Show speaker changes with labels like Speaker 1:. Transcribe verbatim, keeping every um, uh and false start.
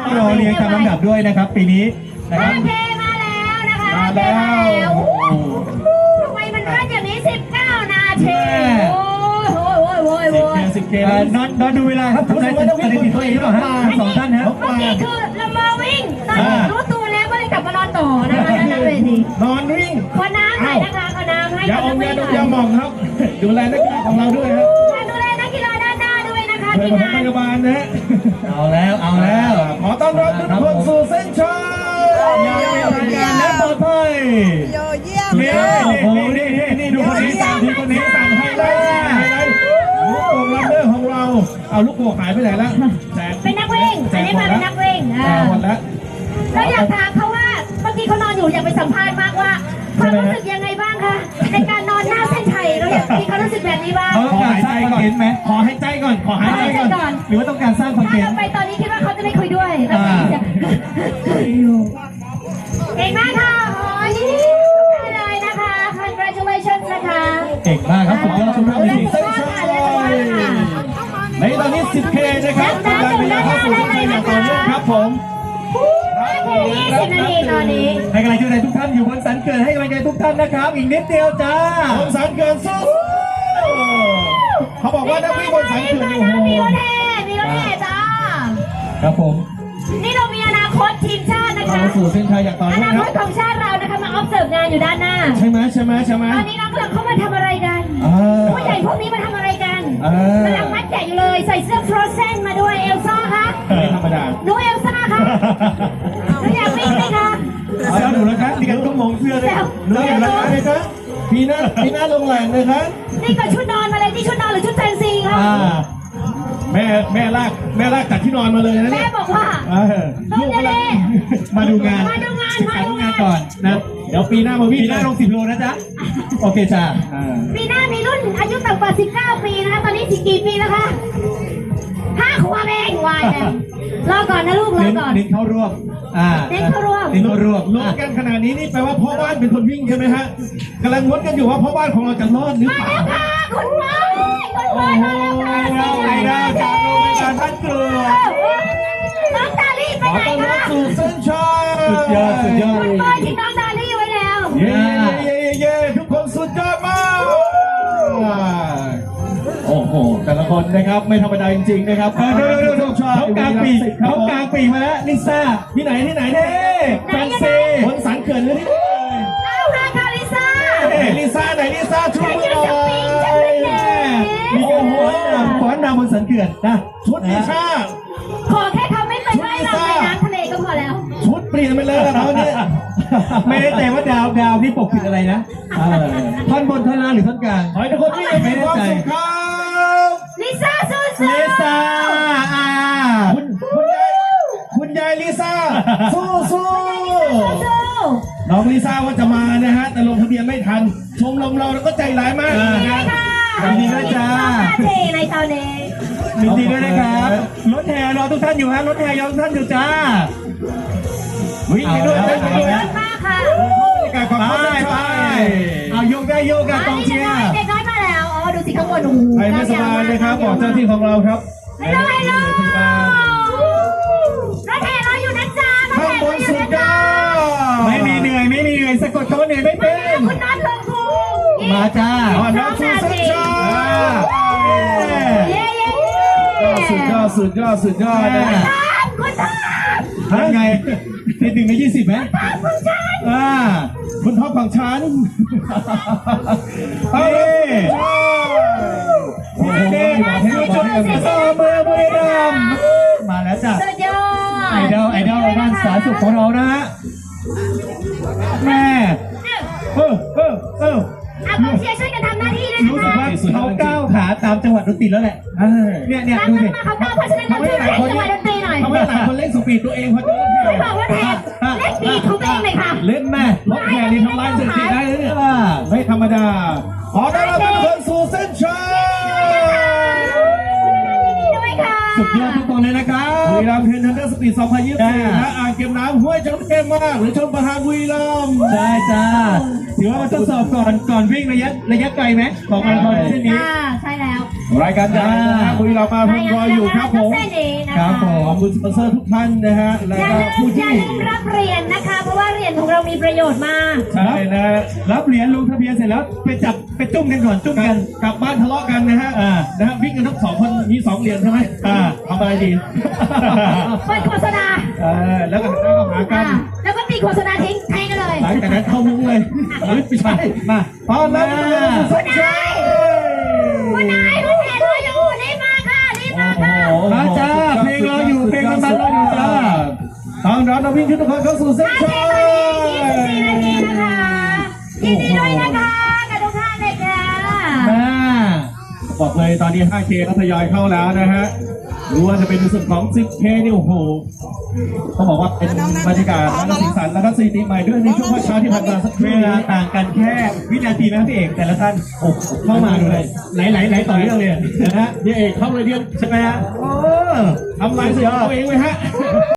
Speaker 1: รอเรียงตามลำดับด้วยนะครับปีนี้นะครับ
Speaker 2: ห้าเค มาแล้วนะคะ
Speaker 1: มาแล้ว
Speaker 2: ทำไมมันรันอย่างนี้สิบเก้านาทีโอ้ยโอ้ยโอ้ยโอ้ย
Speaker 1: สิบเคนอนนอนดูเวลาครับทุกท่านจะได้ติดตัวเองหรือเปล่าฮะสองท่านฮะ
Speaker 2: เมื่อกี้คือเรามาวิ่งตอนนี้รู้ตัวแล้วก็เลยกลับมานอนต่อนะคะนั่นเลยสิ
Speaker 3: นอนวิ่ง
Speaker 2: ขอน้ำหน่อยนะคะขอน้ำให้
Speaker 3: อย่า
Speaker 2: กับ
Speaker 3: อ
Speaker 2: นั
Speaker 3: ม
Speaker 2: ก
Speaker 3: ยา
Speaker 2: วิ่ง
Speaker 3: ด
Speaker 2: ห
Speaker 3: ม
Speaker 2: น่อย
Speaker 3: ยาหม่องครับ ดูแลนักกีฬาของเราด้วยครับ
Speaker 2: ดูแลนักกีฬาด้านหน้าด้วยนะคะ
Speaker 3: เพื่อ
Speaker 2: ทีม
Speaker 3: น
Speaker 2: งาน
Speaker 3: พยาบาลนะฮะ
Speaker 1: เอาแล้วเอาแล้ว
Speaker 3: ขอต้อนรับทุกคนสู่เส้นชัย
Speaker 1: อย่างเป็นทางการและปลอดภัย
Speaker 4: โยเยี่ยม
Speaker 1: นี่โอ้โหนี่นี่นี่ดูคนนี้สั่งดูคนนี้สั่งให้
Speaker 3: ไฮ
Speaker 1: เล
Speaker 3: ไล
Speaker 1: ย
Speaker 3: ท์ลูกโป่งลัมเดอร์ของเรา เอาลูกโป่งหายไปไหนแล้วแจก
Speaker 2: เป็นนักวิ่งอันนี้มาเป็นนักวิ่ง
Speaker 3: แจ
Speaker 2: อ่าก
Speaker 3: หมดแล้ว
Speaker 2: เราอยากถามเขาว่าเมื่อกี้เขานอนอยู่อยากไปสัมภาษณ์มากว่าความรู้สึกยังไงบ้างคะในการนอนหน้าเส้นชัยเราอยากมีความรู้สึกแบบนี้บ้าง
Speaker 1: เขาต้องการสร้างคอนเทนต์ไหม
Speaker 3: ขอให้ใจก่อน ขอให้ใจก่อน
Speaker 1: หรือว่าต้องการสร้างคอนเท
Speaker 2: ถ้าน เรา
Speaker 1: ต์
Speaker 2: ไปตอนนี้คิดว่าเขาจะไม่คุยด้วยเราจะเก่งมากค่ะโอ้ยนี่ได้เลยนะคะ congratulations นะคะ
Speaker 1: เก่งมากครับสุดยอดสุดยอดจริง
Speaker 3: เส้นชัยในตอนนี้ สิบเค นะครับกำลังเวลาเข้าสู่เส้นชัยอย่างต่อเนื่องครับผม
Speaker 2: ยี่สิบนาทีตอนนี้
Speaker 1: ให้กำลังใจทุกท่านอยู่บนสันเกิดให้กำลังใจทุกท่านนะครับ อีกนิดเดียวจ้า
Speaker 3: บนสันเกินสู้เขาบอกว่านักวิ่งบนสันเกินอยู่โอ้โห
Speaker 2: มีรถแห่มีรถแห่จ้า
Speaker 1: ครับผม
Speaker 2: นี่เรามีอนาคตทีมชาตินะคะ
Speaker 3: เข้าสู่เส้นชัยอย่างต่อ
Speaker 2: อ
Speaker 3: เนื่อง
Speaker 2: นา
Speaker 3: ค
Speaker 2: ครับ ตของชาติเรานะคะมา observe งานอยู่ด้านหน้า
Speaker 3: ใช่ไหมใช่ไหมใช่ไหม
Speaker 2: ตอนนี้น้องกำลังเข้ามาทำอะไรกัน
Speaker 3: อ่า
Speaker 2: ผู้ใหญ่พวกนี้มาทำอะไรกัน
Speaker 3: อ่าก
Speaker 2: ำลังมัดแกะอยู่เลย ใส่เสื้อ Frozen มาด้วยเอลซ่าคะ
Speaker 3: ไม่ธรรมดา
Speaker 2: หนูเอลซ่าคะหนูอยากวิ่งไหมคะ
Speaker 1: เซลหนูแล้วครับนี่กันต้องมองเสื้อด้วย
Speaker 3: เลิกแล้วนะครับพีหน้าพีหน้าลงแหล่งนะครับ
Speaker 2: นี่ก็ชุดนอนมาเลยที่ชุดนอนหรือชุดแฟนซีคะ
Speaker 1: อ่า
Speaker 3: แม่แม่ลากแม่ลากจากที่นอนมาเลยนะ
Speaker 2: แม่
Speaker 3: เนี่ย
Speaker 2: บอกว่า
Speaker 3: เออ
Speaker 2: ลูกเด
Speaker 1: มาดูงาน
Speaker 2: มาดูงาน
Speaker 1: ศึก
Speaker 2: มา
Speaker 1: ษา
Speaker 2: ดู
Speaker 1: ดูงาง
Speaker 2: าน น
Speaker 1: ก่อนนะ
Speaker 3: เดี๋ยวปีหน้ามาวิ่ง
Speaker 1: ปีหน้าลงสิบโลนะจ๊ะ โอเคจ้า
Speaker 3: อ่า
Speaker 2: ปีหน้ามีรุ่นอายุต่ำกว่าสิบเก้าปีนะคะ ตอนนี้สิกี่ปีแล้วคะห้าขวบเองวายเลยรอก่อนนะลูกรอ
Speaker 1: เน้น
Speaker 2: ก่อน
Speaker 1: เน้นเข้ารวบอ่า
Speaker 2: เน้นเข้ารวบ
Speaker 1: เน้นเข้ารวบ
Speaker 3: ลุ้นกันขนาดนี้นี่แปลว่าพ่อบ้านเป็นคนวิ่งใช่ไหมฮะกำลังลุ้นกันอยู่ว่าพ่อบ้านของเราจะรอดหรือ
Speaker 2: มา
Speaker 3: เปล่า
Speaker 2: แล้วค่ะคุณพ่อคุณพ่อมาแล้วค่ะ
Speaker 1: เราไงนะจากโรงพยาบาลบ้านกรวด
Speaker 2: น้องดาลี่ไป
Speaker 3: ขอ
Speaker 2: ไหน
Speaker 3: ต้อนรับ
Speaker 2: คะ
Speaker 3: สู่เส้นชัย
Speaker 1: สุดยอดสุดยอด
Speaker 2: คุณพ่อทิ้งน้องดาลี่ไว้แล้ว
Speaker 3: เย้เย้เย้เย้ทุกคนสุดยอดมากโอ้โหแต่ละคนนะครับไม่ธรรมดาจริงๆนะครับ
Speaker 1: เออเดี๋ยวเดี๋ยวเดี๋ยวเขากลางปีกเขากลางปีกมาแล้วลิซ่า
Speaker 3: ที่ไหนที่ไหน
Speaker 1: เน่
Speaker 3: เนี่ย
Speaker 1: แฟนซี
Speaker 3: บนสันเขื่อนหรือที่ไหน
Speaker 2: เอาละค่ะลิซ่า
Speaker 3: ไหนลิซ่าไหนลิซ่าช่วยหน่อย
Speaker 1: มีการฟ้อนรำฟ้อนรำบนสันเขื่อนนะ
Speaker 3: ชุดลิซ่า
Speaker 2: ขอแค่เขาไม่ไปว่ายน้ำในน้ำทะเลก็พอแล้ว
Speaker 3: ชุดเปลี่ยนไปเลยนะเขาเนี่ย
Speaker 1: ไม่ได้แต่ว่าดาวดาวที่ปกปิดอะไรนะเออท่อนบนท่อนล่างหรือท่อนกลาง
Speaker 3: ขอให้ทุกคนมีความสุขครับ
Speaker 2: ลิซ่าสู้
Speaker 1: เล
Speaker 2: ๆ
Speaker 1: ซ่าอ่า
Speaker 3: คุณคุณยายคุณยายลิซ่าสู้สู้
Speaker 2: สู้
Speaker 3: น้องลิซ่าว่าจะมานะฮะแต่ลงทะเบียนไม่ทัน ชมรมเราแล้วก็ใจร้ายมาก
Speaker 2: ๆ
Speaker 3: นะ
Speaker 2: นี่
Speaker 3: ฮะ
Speaker 2: ค่ะ
Speaker 1: ยินดีด้วยจ้า
Speaker 2: เทในตอนนี้
Speaker 1: ยินดีด้วยนะครับรถแห่รอทุกท่านอยู่ฮะรถแห่รอทุกท่านอยู่จ้า
Speaker 3: วิ่งไปด้วยวิ่งไปด้วย
Speaker 2: เยอะมากค่ะ
Speaker 3: บรรยากาศความ
Speaker 1: ไป
Speaker 3: เข้าใจ
Speaker 1: ไปเอาโยกได้โยกกันกองเชียร์
Speaker 2: เด็กน้อยมาแล้ว อ๋อ ดูสิข้างบนโอ้โห
Speaker 3: ใครไม่สบายนะครับบอกเจ้าหน้าที่ของเราครับ
Speaker 2: ฮัลโหลฮัลโหล
Speaker 3: พยาบาล
Speaker 2: รถแห่รออยู่นะจ๊ะรถ
Speaker 3: ข้าง
Speaker 2: แห่
Speaker 3: บ
Speaker 2: รอน อยู่
Speaker 3: สุด
Speaker 2: นะ
Speaker 3: ย
Speaker 2: จ๊ะ
Speaker 3: อด
Speaker 1: ไม่มีเหนื่อยไม่มีเหนื่อยสะกดคำว่าเหนื่อยไม่เป็น
Speaker 2: คุณนัทลงครู
Speaker 1: มาจ้า
Speaker 3: อ่อนน้ำสู่เส้นชัย
Speaker 2: เย้เย้
Speaker 3: สุดยอดสุดยอดสุดยอดนะ
Speaker 2: ตามคุณตาม
Speaker 1: ทำไงติดหนึ่งในยี่สิบไหม
Speaker 2: ตามคุณฉัน
Speaker 1: อ่า
Speaker 3: คุณท็อปของฉัน
Speaker 1: เอาเลยโอ้โหดูจุดต่อเมืองบุรีรัมย์มาแล้วจ้ะ
Speaker 2: สุดยอด
Speaker 1: ไอดอลไอดอลด้านสาธารณสุขของเรานะฮะแม่เออเออเออ
Speaker 2: อ่ะกองเชียร์ช่วยกันทำหน้าที่ด้วย
Speaker 1: รู้
Speaker 2: นะ
Speaker 1: สึก
Speaker 2: คะ
Speaker 1: ว่าเขาก้าวขาตามจังหวัดดนตรีแล้วแหละเนี่ยเนี่ย
Speaker 2: ตาม
Speaker 1: ดู
Speaker 2: กัน
Speaker 1: สิ
Speaker 2: มาเขาก้าวเพราะฉะนั้นเราช่วยเล่นจังหวะดนตรีหน่อย
Speaker 3: ทำให้หลายคนเล่นสปีดตัวเองเพราะจะ
Speaker 2: ไม่บอกว่าแทนเล่นบีทของตัวเองเลยค่ะ
Speaker 1: เล่นแม่
Speaker 3: รถแห่นี่ทำลายสถิติได้เลยเนี่ย
Speaker 1: อ่า
Speaker 3: ไม่ธรรมดา ขอต้อนรับทุกคนสู่เส้นชัย
Speaker 2: ด้วยค่ะ
Speaker 1: สุดยอดทุกคนเลยนะครับ
Speaker 3: บุรีรัมย์เทรนเนอร์สปีดสองพันยี่สิบสี่นะอ่างเก็บน้ำห้วยจระเข้มากหรือชมประธานบุรีรัมย์
Speaker 1: ได้จ้าถือว่ามาทดสอบก่อนก่อนวิ่งระยะระยะไกลไหมของมาราธอนเส้นนี้
Speaker 2: อ่าใช่แล้ว
Speaker 3: รรายการใหญ่นะฮะบุรีรัมย์มาพมรออยู่ครับผม
Speaker 2: เส้นนี้นะ
Speaker 3: ค
Speaker 2: คะ
Speaker 3: รับผมขอบคุณสปอนเซอร์ทุกท่านนะฮะและ
Speaker 2: อย่า
Speaker 3: ก็
Speaker 2: ลืม
Speaker 3: ผู้
Speaker 2: อย่า
Speaker 3: ที่
Speaker 2: ลืมรับเหรียญนะคะ เพราะว่าเหรียญของเรามีประโยชน์มาก
Speaker 3: ใช่นะ
Speaker 1: รับเหรียญลงทะเบียนเสร็จแล้วไปจับไปจุ่มกันก่อนจุ่ม
Speaker 3: กั
Speaker 1: กัน น
Speaker 3: กลับบ้านทะเลาะกันนะฮะ
Speaker 1: อ่า
Speaker 3: นะฮะวิ่งกันทั้งสองคนมีสองเหรียญใช่ไหม
Speaker 1: อ่า
Speaker 3: ทำอะไรดี
Speaker 2: เปิดโฆษณา
Speaker 3: เออแล้วก็แล้วก็หากัน
Speaker 2: อ่าแล้วก็ปิดโฆษณาทิ้งแทงกันเลย
Speaker 3: หลังจากนั้นเข้ามุ้งเลยเฮ้ยไม่ใช่
Speaker 1: มา
Speaker 3: ตอนนั้น
Speaker 2: คุณนายคุณนายคุณเห็นเราอยู่รีบมาค่ะรีบมาค่ะ
Speaker 1: มาจ้าเพลงรออยู่เพลงมันมันรออยู่จ้า
Speaker 3: ตอนรับนักวิ่งทุกคนเข้าสู่เส้น
Speaker 2: ห้า
Speaker 3: ชั
Speaker 2: เท
Speaker 3: ย
Speaker 2: ตอนนี้ยี่สิบสี่นาทีนะคะยินดีด้วยนะคะกับทุกท่านเลยค่ะ
Speaker 1: มา
Speaker 3: บอกเลยตอนนี้ ห้าเค ก็ทยอยเข้าแล้วนะฮะรู้ว่าจะเป็นในส่วนของ สิบเค นี่โอ้โหต้องบอกว่าเป็นบรรยากาศและสีสันและก็สถิติใหม่ด้วยในช่วงวันเช้าที่ผ่านมาสักค
Speaker 1: เว
Speaker 3: รู่
Speaker 1: ลา
Speaker 3: นี้
Speaker 1: ต่างกันแค่วินาทีนะพี่เอกแต่ละท่าน
Speaker 3: โอ้โห
Speaker 1: เข้ามาดูเลยไหลไหลไหลต่อเนื่องเลย
Speaker 3: นะฮะนี่เอกเข้าเลยเดียว
Speaker 1: ใช่ไหมฮะ
Speaker 3: โอ้ทำลายสถิติตัวเองไหมฮะ